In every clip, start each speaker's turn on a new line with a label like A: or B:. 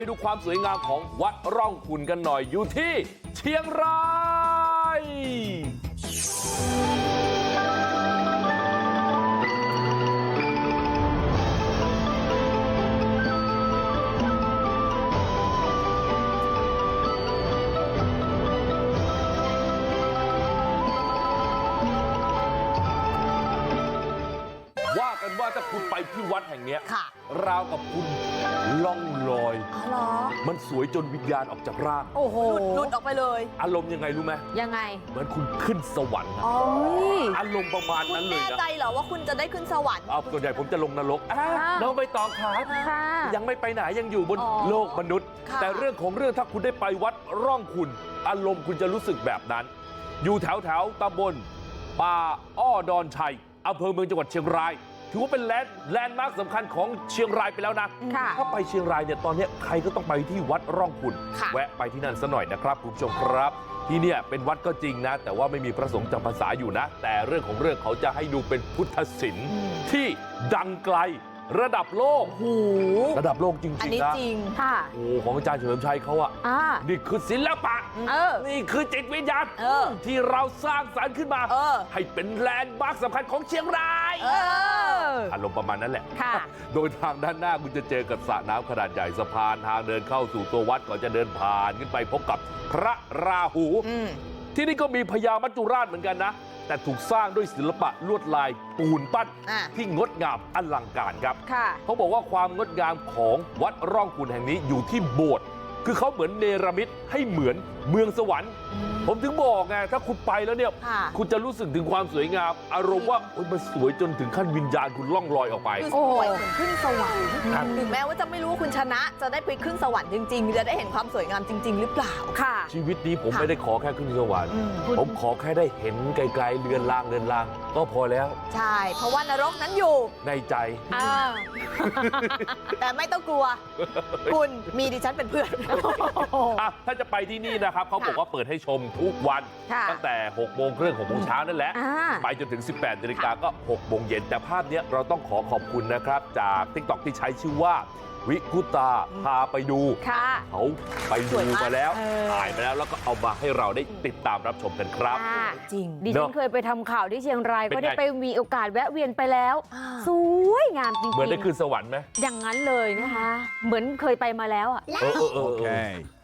A: ไปดูความสวยงามของวัดร่องขุ่นกันหน่อยอยู่ที่เชียงรายว่ากันว่าถ้าคุณไปที่วัดแห่งนี้ราวกับคุณล่องลอยมันสวยจนวิญญาณออกจากร่าง
B: หลุดออกไปเลย
A: อารมณ์ยังไงรู้ไหม
B: ยังไง
A: เหมือนคุณขึ้นสวรรค์อารมณ์ประมาณนั้นเลยนะ
B: คุณแน่ใจเหรอว่าคุณจะได้ขึ้นสวรรค์
A: ส่วนใหญ่ผมจะลงนรกน้องใบตองครับยังไม่ไปไหนยังอยู่บนโลกมนุษย์แต่เรื่องของเรื่องถ้าคุณได้ไปวัดร่องขุ่นอารมณ์คุณจะรู้สึกแบบนั้นอยู่แถวตำบลป่าอ้อดอนชัยอำเภอเมืองจังหวัดเชียงรายถือว่าเป็นแลนด์มาร์คสำคัญของเชียงรายไปแล้วนะถ้าไปเชียงรายเนี่ยตอนนี้ใครก็ต้องไปที่วัดร่องขุ่นแวะไปที่นั่นซะหน่อยนะครับคุณผู้ชมครับที่เนี่ยเป็นวัดก็จริงนะแต่ว่าไม่มีพระสงฆ์จำพรรษาอยู่นะแต่เรื่องของเรื่องเขาจะให้ดูเป็นพุทธศิลป์ที่ดังไกลระดับโลกระดับโลกจริงๆนะอันนี้
B: จริงค่ะ
A: ของอาจารย์เฉลิมชัยเขาอะนี่คือศิลปะนี่คือจิตวิญญาณที่เราสร้างสรรค์ขึ้นมาให้เป็นแลนด์มาร์คสำคัญของเชียงรายอารมณ์ประมาณนั้นแหละโดยทางด้านหน้าคุณจะเจอกับสระน้ำขนาดใหญ่สะพานทางเดินเข้าสู่ตัววัดก่อนจะเดินผ่านขึ้นไปพบกับพระราหูที่นี่ก็มีพญามัจจุราชเหมือนกันนะแต่ถูกสร้างด้วยศิลปะลวดลายปูนปั้นที่งดงามอลังการครับเขาบอกว่าความงดงามของวัดร่องขุ่นแห่งนี้อยู่ที่โบสถ์คือเขาเหมือนเนรมิตให้เหมือนเมืองสวรรค์ผมถึงบอกไงถ้าคุณไปแล้วเนี่ยคุณจะรู้สึกถึงความสวยงามอารมณ์ว่ามันสวยจนถึงขั้นวิญญาณคุณล่องลอยออกไป
B: สวยเหมือนขึ้นสวรรค์ถึงแม้ว่าจะไม่รู้ว่าคุณชนะจะได้ไปขึ้นสวรรค์จริงๆจะได้เห็นความสวยงามจริงๆหรือเปล่าค่ะ
A: ชีวิตนี้ผมไม่ได้ขอแค่ขึ้นสวรรค์ผมขอแค่ได้เห็นไกลๆเรือนรางก็พอแล้ว
B: ใช่เพราะว่านรกนั้นอยู่
A: ในใจ
B: แต่ไม่ต้องกลัวคุณมีดิฉันเป็นเพื่อน
A: ถ้าจะไปที่นี่นะครับเขาบอกว่าเปิดให้ชมทุกวันตั้งแต่6 โมงครึ่ง6 โมงเช้านั่นแหละไปจนถึง 18 นาฬิกาก็6 โมงเย็นแต่ภาพนี้เราต้องขอบคุณนะครับจาก TikTok ที่ใช้ชื่อว่าวิกุตาพาไปดูเขาไปดูมาแล้วถ่ายมาแล้วก็เอามาให้เราได้ติดตามรับชมกันครับ
C: จริงดิฉันเคยไปทำข่าวที่เชียงรายก็ได้ไปมีโอกาสแวะเวียนไปแล้วสวยงามจริงๆ
A: เหมือนได้ขึ้นสวรรค์ไหม
C: อย่างนั้นเลยนะคะเหมือนเคยไปมาแล้วอ่ะ
A: โอเค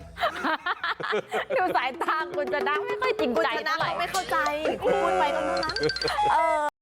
C: ดูสายตาคุณจะนั่งไม่ค่อยจริงใจ
B: เท่าไหร่ไม่เข้าใจคุณพูดไปก็รู้นะ